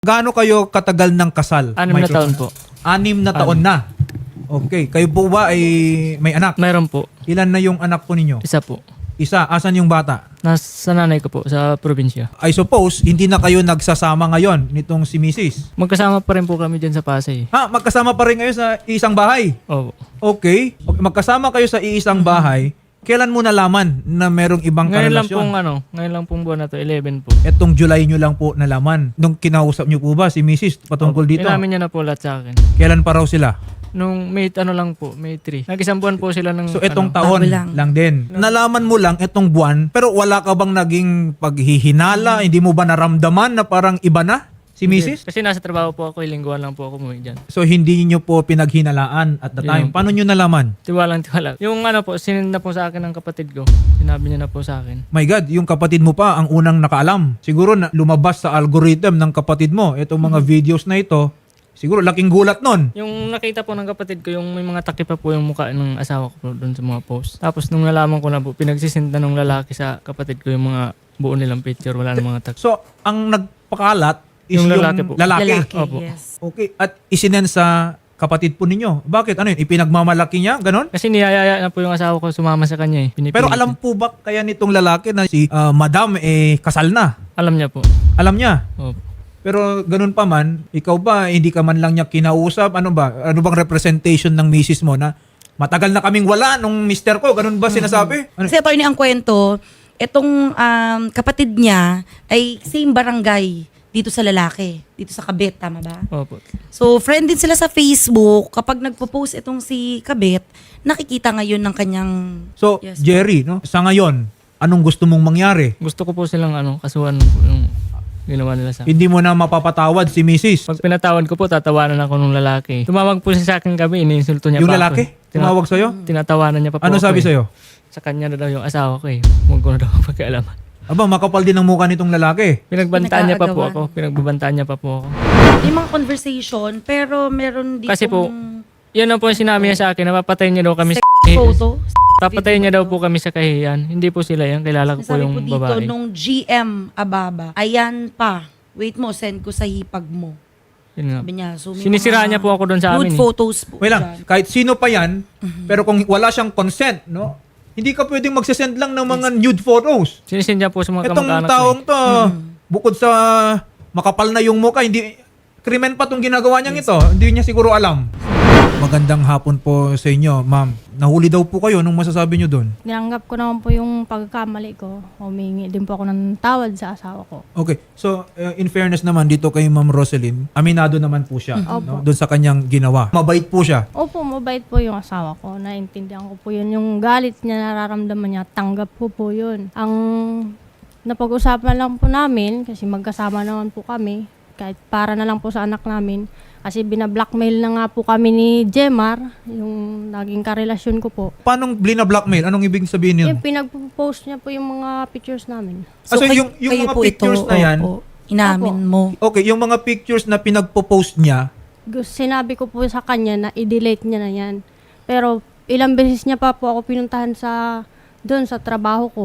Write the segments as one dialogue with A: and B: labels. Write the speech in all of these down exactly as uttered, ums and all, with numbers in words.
A: Gaano kayo katagal ng kasal?
B: Anim na
A: Microphone.
B: taon po.
A: Anim na taon na. Okay. Kayo po ba ay may anak?
B: Mayroon po.
A: Ilan na yung anak po ninyo?
B: Isa po.
A: Isa. Asan yung bata?
B: Nasa nanay ko po sa probinsya.
A: I suppose, hindi na kayo nagsasama ngayon nitong si Missus
B: Magkasama pa rin po kami dyan sa Pasay.
A: Ha? Magkasama pa rin kayo sa isang bahay?
B: Opo.
A: Okay. Okay. Magkasama kayo sa iisang bahay. Kailan mo nalaman na merong ibang
B: Ngayon lang
A: karelasyon?
B: pong ano, ngayon lang pong buwan na to, eleven po.
A: Etong July nyo lang po nalaman. Nung kinausap nyo po ba si Missus patungkol dito?
B: Inamin niya na po lahat sa akin.
A: Kailan pa raw sila?
B: Nung May ano lang po, May three. Nag-isang buwan po sila ng
A: So etong
B: ano,
A: taon
C: Bago
A: lang.
C: lang.
A: din. Nalaman mo lang etong buwan pero wala ka bang naging paghihinala? Hindi mo ba naramdaman na parang iba na si Missus?
B: Kasi nasa trabaho po ako, lingguhan lang po ako umuwi dyan.
A: So hindi niyo po pinaghinalaan at the time.
B: Yun po.
A: Paano niyo nalaman?
B: Tiwalang tiwala. Yung ano po, sinend na po sa akin ng kapatid ko. Sinabi niya na po sa akin.
A: My God, yung kapatid mo pa ang unang nakaalam. Siguro na lumabas sa algorithm ng kapatid mo itong mga videos na ito. Siguro laking gulat nun.
B: Yung nakita po ng kapatid ko, yung may mga takip pa po yung mukha ng asawa ko po doon sa mga post. Tapos nung nalaman ko na po, pinagsisinta ng lalaki sa kapatid ko yung mga buo nilang picture, wala ng mga takip.
A: So ang nagpakalat is
B: Yung
A: yung,
B: lalaki po.
A: lalaki.
C: Lalaki,
B: Opo.
C: yes.
A: Okay. At isinen sa kapatid po ninyo. Bakit? Ano yun? Ipinagmamalaki niya? Ganon?
B: Kasi niyayaya na po yung asawa ko sumama sa kanya eh. Pinipilit
A: Pero
B: niya.
A: alam po ba kaya nitong lalaki na si ah, Madam eh kasal na?
B: Alam niya po.
A: Alam niya.
B: Opo.
A: Pero ganun pa man, ikaw ba hindi ka man lang niya kinausap? Ano ba? Ano bang representation ng misis mo na matagal na kaming wala nung mister ko? Ganun ba sinasabi? Ano?
C: Kasi attorney, ang kwento, itong um, kapatid niya ay same barangay dito sa lalaki, dito sa Kabit, tama ba?
B: Opo.
C: So, friend din sila sa Facebook. Kapag nagpo-post itong si Kabit, nakikita ngayon ng kanyang...
A: So,
C: Yes.
A: Jerry, no? Sa ngayon, anong gusto mong mangyari?
B: Gusto ko po silang ano, kasuhan po yung ginawa nila sa akin.
A: Hindi mo na mapapatawad si misis.
B: Pag pinatawad ko po, tatawanan ako ng lalaki. Tumawag po siya sa akin gabi, iniinsulto niya
A: Yung
B: pa
A: lalaki?
B: ako. eh. Tina-
A: Tumawag sa'yo?
B: Tinatawanan niya pa po
A: Ano
B: ako
A: sabi
B: eh.
A: sa'yo?
B: Sa kanya na daw yung asawa ko eh. Huwag ko na daw pagkaalaman.
A: Aba, makapal din ang mukha nitong lalaki.
B: Pinagbantaan niya pa po
C: Pinag-aagawan.
B: ako. Pinagbabantaan niya pa po ako.
C: May mga conversation, pero meron dito...
B: Kasi po, Yan ang po yung sinabi niya sa akin. Napapatayin niya daw kami sa
C: photo.
B: Papatayin niya daw po kami sa kahiyan. Hindi po sila yan. Kilala ko po
C: Sabi
B: yung
C: po dito,
B: babae.
C: nung G M Ababa, ayan pa. Wait mo, send ko sa hipag mo.
B: Yun nga.
C: Sabi niya, so may
B: Sinisiraan
C: mga
B: niya po ako doon sa amin.
C: nude
B: Eh.
C: photos po.
A: Wait lang,
C: dyan.
A: kahit sino pa yan, pero kung wala siyang consent, no? Hindi ka pwedeng magsasend lang ng mga nude photos.
B: Sinisin niya po sa mga
A: Itong
B: kamag-anak ko.
A: taong
B: Eh.
A: to, bukod sa makapal na yung mukha, hindi, krimen pa tong ginagawa niyang ito. Hindi niya siguro alam. Magandang hapon po sa inyo, ma'am. Nahuli daw po kayo. Anong masasabi niyo doon?
D: Tinanggap ko naman po yung pagkakamali ko. Humingi din po ako ng tawad sa asawa ko.
A: Okay. So, uh, in fairness naman, dito kay Ma'am Roselyn, aminado naman po siya no?
D: Opo.
A: doon sa kanyang ginawa. Mabait po siya.
D: Opo, mabait po yung asawa ko. Naintindihan ko po yun. Yung galit niya, nararamdaman niya, tanggap ko po yun. Ang napag-usapan lang po namin, kasi magkasama naman po kami, kahit para na lang po sa anak namin, kasi binablockmail na nga po kami ni Jemar, yung naging karelasyon ko po.
A: Paano blina-blackmail? Anong ibig sabihin yun?
D: Yung pinag-post niya po yung mga pictures namin.
A: Ah, so
C: kay-
A: yung- yung
C: kayo
A: mga
C: po
A: pictures na yan-
C: opo, inamin
D: Opo.
C: mo.
A: Okay, yung mga pictures na pinagpo-post niya,
D: Gus- Sinabi ko po sa kanya na i-delete niya na yan. Pero ilang beses niya pa po ako pinuntahan sa doon sa trabaho ko.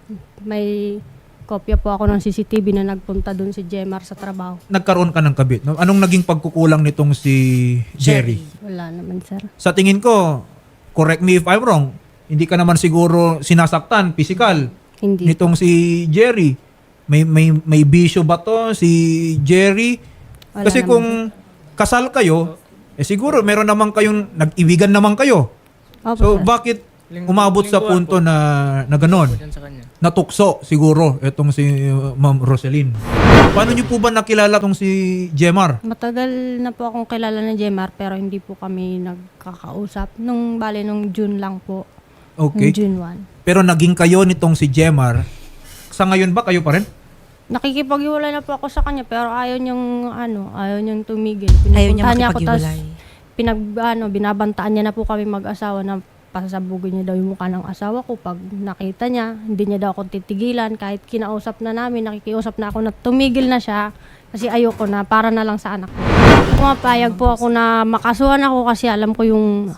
D: May kopya po ako ng C C T V na nagpunta doon si Jemar sa trabaho.
A: nagkaroon ka ng kabit. No? Anong naging pagkukulang nitong si Jerry?
D: Wala naman, sir.
A: Sa tingin ko, correct me if I'm wrong, hindi ka naman siguro sinasaktan, physical,
D: Hindi.
A: nitong si Jerry. May may may bisyo ba to si Jerry?
D: Wala
A: Kasi
D: naman,
A: kung kasal kayo, eh siguro meron naman kayong nag-ibigan naman kayo.
D: Opo,
A: So
D: sir.
A: bakit
B: Ling-
A: umabot sa
B: lingguhan
A: punto
B: po.
A: na na ganon?
B: Yan sa kanya.
A: Natukso siguro itong si uh, Ma'am Roselyn. Paano niyo po ba nakilala itong si Jemar?
D: Matagal na po akong kilala ni Jemar pero hindi po kami nagkakausap. Nung bale, nung June lang po.
A: Okay.
D: Nung June first.
A: Pero naging kayo nitong si Jemar. Sa ngayon ba kayo pa rin?
D: Nakikipaghiwalay na po ako sa kanya pero ayaw niyang ano, ayaw niyang tumigil.
C: Ayaw niya
D: Pinupuntahan niya ako, tas
C: makipaghiwalay.
D: pinag ano, binabantaan niya na po kami mag-asawa na pasasabugin niya daw yung mukha ng asawa ko pag nakita niya, hindi niya daw ako titigilan kahit kinausap na namin, nakikiusap na ako na tumigil na siya kasi ayoko na, para na lang sa anak ko. Pumapayag po ako na makasuhan ako kasi alam ko yung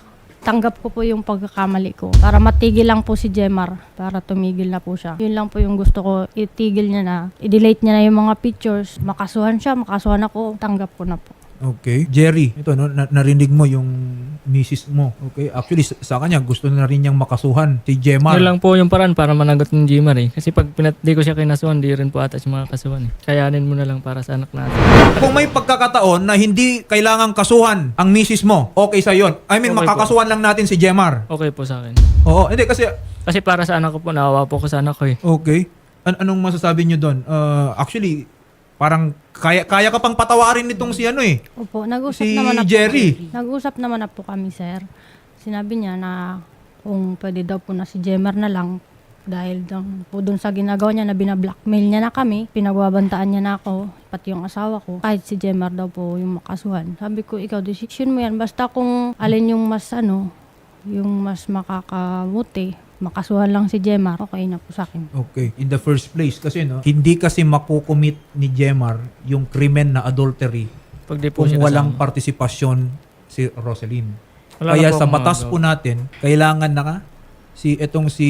D: tanggap ko po yung pagkakamali ko. Para matigil lang po si Jemar, para tumigil na po siya. Yun lang po yung gusto ko, itigil niya na, i-delete niya na yung mga pictures, makasuhan siya, makasuhan ako, tanggap ko na po.
A: Okay. Jerry, ito no, na- narinig mo yung misis mo. Okay. Actually, sa, sa kanya, gusto na rin niyang makasuhan si Jemar.
B: Yun lang po yung paraan para managot ng Jemar eh. Kasi pag pinat di ko siya kinasuhan, di rin po ata siya makakasuhan eh. Kayanin mo na lang para sa anak natin.
A: Kung may pagkakataon na hindi kailangang kasuhan ang misis mo, okay sa yon. I mean,
B: Okay po.
A: makakasuhan lang natin si Jemar.
B: Okay po sa akin.
A: Oo, hindi kasi,
B: Kasi para sa anak ko po, nawawa po ko sa anak ko eh.
A: okay. An- anong masasabi niyo doon? Uh, actually, parang kaya kaya ka pang patawarin nitong si ano eh.
D: Opo, nag-usap
A: Si
D: naman na
A: Jerry.
D: po. Nag-usap naman na po kami, sir. Sinabi niya na kung pwede daw po na si Jemar na lang dahil dun, po dun sa ginagawa niya na binablockmail niya na kami, pinagbabantaan niya na ako, pati yung asawa ko, kahit si Jemar daw po yung makasuhan. Sabi ko, ikaw, decision mo yan. Basta kung alin yung mas ano, yung mas makakabuti, makasuhan lang si Jemar, okay na po sa akin.
A: Okay. In the first place kasi no, hindi kasi makukumit ni Jemar yung krimen na adultery
B: Pag di po
A: kung
B: siya
A: walang
B: kasama.
A: partisipasyon si Roselyn.
B: Wala
A: Kaya
B: na po
A: sa
B: akong
A: batas
B: magagawa.
A: po natin, kailangan na nga si etong si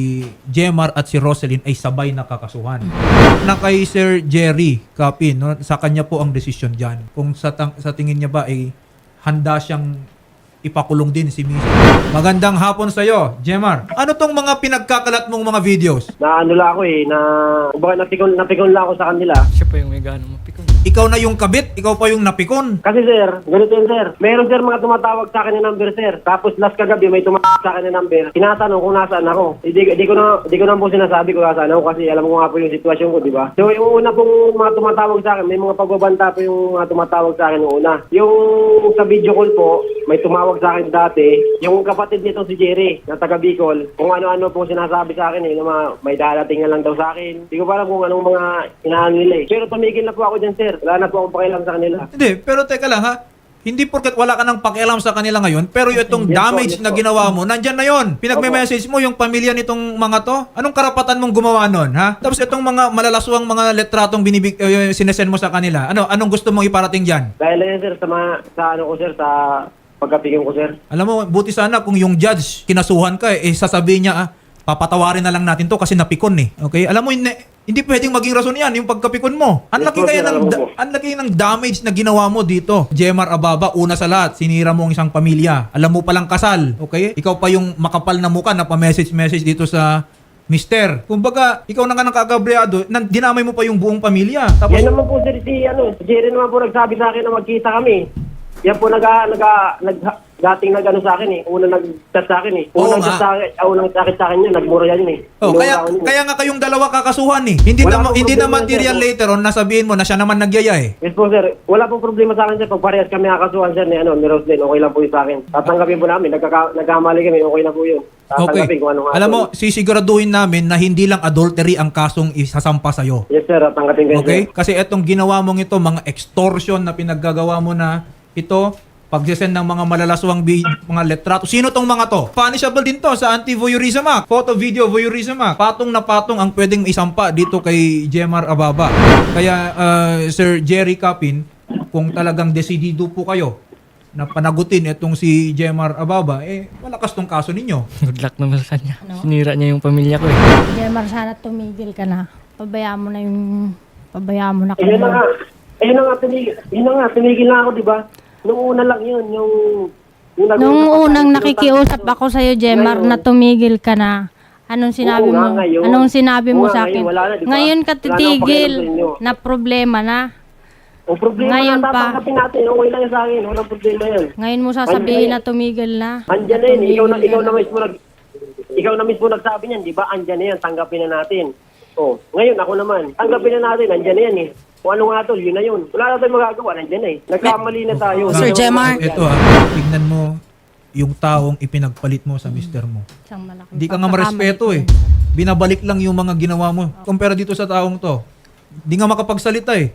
A: Jemar at si Roselyn ay sabay nakakasuhan. Na kay Sir Jerry Capin, no, sa kanya po ang desisyon diyan. Kung sa tang- sa tingin niya ba ay handa siyang ipakulong din si Miss. Magandang hapon sa iyo, Jemar. Ano tong mga pinagkakalat mong mga videos?
E: Na ano lang ako eh, na kumbaga napikon, napikon lang ako sa kanila.
B: Siya po yung may ganong mapikon.
A: Ikaw na yung kabit, ikaw pa yung napikon.
E: Kasi sir, ganito yun sir. Meron sir mga tumatawag sa akin ng number sir. Tapos last kagabi may tumatawag sa akin ng number. Tinatanong kung nasaan ako. Hindi di ko na di ko na po sinasabi kung nasaan ako kasi alam ko nga po yung sitwasyon ko, di ba? So yung una pong mga tumatawag sa akin, may mga pagbabanta po yung mga tumatawag sa akin noong una. Yung sa video call po, may tumawag sa akin dati, yung kapatid nito si Jerry, na taga Bicol, kung ano-ano po sinasabi sa akin eh, na mga, may darating na lang daw sa akin. Hindi ko pa alam kung anong mga inaano nila eh. Pero tumigil na po ako dyan sir. Wala na po akong pakialam sa kanila.
A: Hindi, pero teka lang ha. Hindi porket wala ka ng pakialam sa kanila ngayon, pero yung itong
E: Yes po,
A: damage
E: yes
A: na
E: po.
A: ginawa mo, nandyan na yon. Pinagme-message mo yung pamilya nitong mga to. Anong karapatan mong gumawa nun, ha? Tapos itong mga malalaswang mga letratong binibig, uh, sinesend mo sa kanila. Ano, anong gusto mong iparating dyan?
E: Dahil na yan sir, sa, mga, sa ano ko sir, sa pagkapigyan ko sir.
A: Alam mo, buti sana kung yung judge kinasuhan ka, eh sasabihin niya, ah, papatawarin na lang natin to kasi napikon eh. Okay? Alam mo, hindi, hindi pwedeng maging rason yan, yung pagkapikon mo. Ang
E: Yes
A: laki
E: po,
A: kaya
E: sir,
A: ng,
E: alam ko
A: da-
E: po.
A: ang laki ng damage na ginawa mo dito. Jemar Ababa, una sa lahat, sinira mo ang isang pamilya. Alam mo palang kasal. Okay? Ikaw pa yung makapal na mukha na pa-message-message dito sa Mister. Kumbaga, ikaw na nga nakagabriado, nan- dinamay mo pa yung buong pamilya. Tapos,
E: Yan naman po sir, si, ano, si Jerry naman po nagsabi sa akin na magkita kami. Yan po naga, naga, nag, dating nag ano sa akin eh. Una nag-chat sa akin eh.
A: Oo
E: Unang
A: nga.
E: chat sa akin, ah, unang sakit sa akin yun, nagmura yan yun eh.
A: oh,
E: Minura
A: kaya
E: ako yun eh.
A: kaya nga kayong dalawa kakasuhan eh. Hindi
E: Wala
A: na
E: akong
A: hindi na
E: problema
A: material
E: dyan.
A: later on nasabihin mo na siya naman nagyaya eh.
E: Yes po sir, wala pong problema sa akin sir. Pag parehas kami nakakasuhan sir ni, ano, ni Roslyn, okay lang po yun sa akin. Tatanggapin po namin, nagkaka, nagkamali kami, okay lang po yun.
A: Okay.
E: Tatanggapin kung anong
A: Alam mo,
E: action.
A: sisiguraduhin namin na hindi lang adultery ang kasong isasampa sa'yo.
E: Yes sir, tanggapin ko yun
A: Okay?
E: sir.
A: Kasi etong ginawa mong ito, mga extortion na pinaggagawa mo na ito, pagsisend ng mga malalaswang bi- mga letrato. Sino tong mga to? Punishable din to sa Anti-Voyeurism Act. Photo, video, voyeurism act. Patong na patong ang pwedeng isampa dito kay Jemar Ababa. Kaya, uh, Sir Jerry Capin, kung talagang desidido po kayo na panagutin itong si Jemar Ababa, eh, malakas tong kaso ninyo.
B: Good luck naman sa kanya.
D: Ano?
B: Sinira niya yung pamilya ko eh.
D: Jemar, sana tumigil ka na. Pabayaan mo na yung... Pabayaan mo na
E: Ayun na nga,
D: kayo.
E: ayun na nga, tumigil, ayun na nga, tumigil na ako, di ba? Nung una lang yun, yung... yung nag-
D: Nung unang
E: yung-
D: nakikiusap ako sa'yo, Jemar,
E: Ngayon.
D: na tumigil ka na. Anong sinabi
E: Oo nga,
D: mo?
E: ngayon.
D: Anong sinabi mo
E: Oo nga,
D: sa akin?
E: ngayon, wala na, di ba?
D: Ngayon ka
E: Wala na akong
D: titigil
E: pakialam sa inyo.
D: na problema na.
E: Ang problema
D: Ngayon
E: na
D: pa.
E: tatanggapin natin, okay lang yan sa akin, walang problema yan.
D: Ngayon mo sasabihin na tumigil na.
E: Andyan na yun, ikaw na,
D: Tumigil
E: ikaw
D: ka
E: na mismo nag... Ikaw na mismo nagsabi niyan, di ba? Andyan na yan, tanggapin na natin. Oh, ngayon ako naman, tanggapin na natin, andyan na yan eh. Kung ano nga tol, yun na yun. Wala na tayong magagawa, nandyan na eh. Nagkamali na tayo.
C: Sir Jemar.
A: Ito ah, tignan mo yung taong ipinagpalit mo sa mister mo.
D: Isang malaking
A: Hindi ka nga
D: pagkakamali
A: marespeto
D: ko.
A: eh. Binabalik lang yung mga ginawa mo. Kumpara dito sa taong to. Hindi nga makapagsalita eh.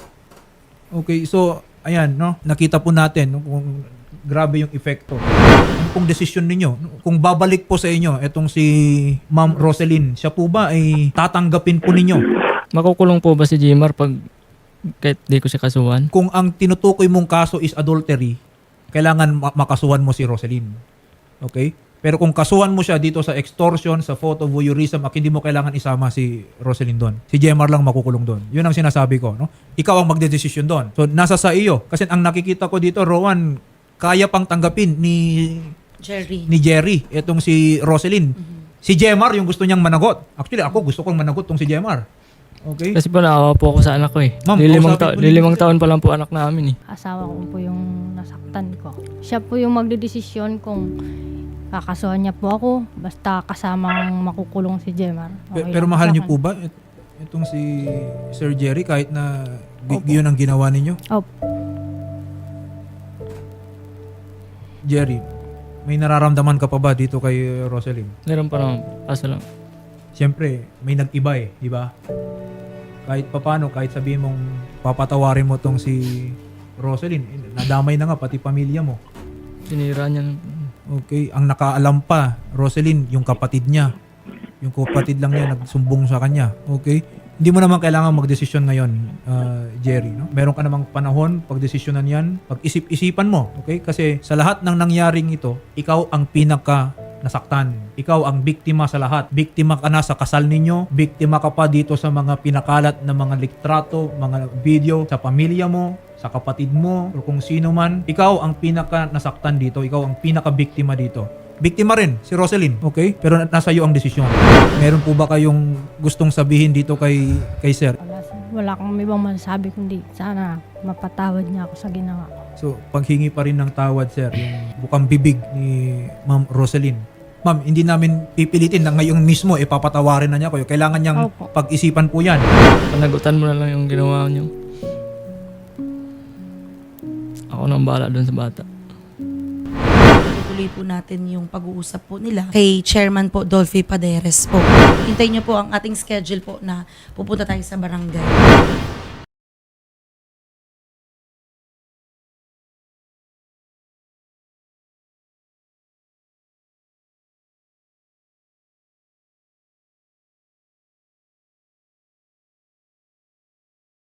A: Okay, so, ayan, no? Nakita po natin no, kung grabe yung epekto. Ano pong desisyon ninyo? Kung babalik po sa inyo, etong si Ma'am Roselyn, siya po ba ay tatanggapin po ninyo?
B: Makukulong po ba si Jemar pag kahit di ko siya kasuhan?
A: Kung ang tinutukoy mong kaso is adultery, kailangan ma- makasuhan mo si Roselyn. Okay? Pero kung kasuhan mo siya dito sa extortion, sa photo voyeurism, ak hindi mo kailangan isama si Roselyn doon. Si Jemar lang makukulong doon. Yun ang sinasabi ko. No? Ikaw ang magdedesisyon doon. So, nasa sa iyo. Kasi ang nakikita ko dito, Rowan, kaya pang tanggapin ni
C: Jerry.
A: ni Jerry, itong si Roselyn. Si Jemar, yung gusto niyang managot. Actually, ako gusto kong managot tong si Jemar. Okay?
B: Kasi po naawa po ako sa anak ko eh.
A: Ma'am,
B: Lilimang,
A: kausapin
B: ta-
A: mo din
B: lilimang
A: siya.
B: taon pa lang po anak namin eh.
D: Asawa ko po yung nasaktan ko. Siya po yung magdedesisyon kung kakasuhan niya po ako, basta kasamang makukulong si Jemar.
A: Pe-
D: Okay
A: pero
D: lang
A: mahal
D: sa
A: niyo
D: akin.
A: po ba it- itong si Sir Jerry kahit na gi- yun ang ginawa ninyo?
D: Opo.
A: Jerry, may nararamdaman ka pa ba dito kay Roselyn?
B: Meron pa naman. Kaso lang.
A: Siyempre, may nag-iba eh, di ba? Kahit papano, kahit sabihin mong papatawarin mo tong si Roselyn, eh, nadamay na nga pati pamilya mo.
B: Sinira niya.
A: Okay, ang nakaalam pa, Roselyn, yung kapatid niya. Yung kapatid lang niya nagsumbong sa kanya. Okay? Hindi mo naman kailangan magdesisyon ngayon, uh, Jerry. No? Meron ka namang panahon, pagdesisyonan yan, pag-isip-isipan mo. Okay? Kasi sa lahat ng nangyaring ito, ikaw ang pinaka nasaktan. Ikaw ang biktima sa lahat. Biktima ka na sa kasal ninyo. Biktima ka pa dito sa mga pinakalat na mga litrato, mga video sa pamilya mo, sa kapatid mo, o kung sino man. Ikaw ang pinaka nasaktan dito. Ikaw ang pinaka biktima dito. Biktima rin si Roselyn, okay? Pero na- nasa iyo ang desisyon. Meron po ba kayong gustong sabihin dito kay kay Sir?
D: Wala, wala akong ibang masasabi kundi sana mapatawad niya ako sa ginawa ko.
A: So, paghingi pa rin ng tawad, Sir, yung bukang bibig ni Ma'am Roselyn. Ma'am, hindi namin pipilitin na ngayong mismo ipapatawarin na niya kayo. Kailangan niyang
D: Opo.
A: pag-isipan po yan.
B: Panagutan mo na lang yung ginawa niyo. Ako nang bahala dun sa bata.
C: Tuloy po natin yung pag-uusap po nila kay Chairman po Dolphy Paderes po. Hintayin niyo po ang ating schedule po na pupunta tayo sa barangay.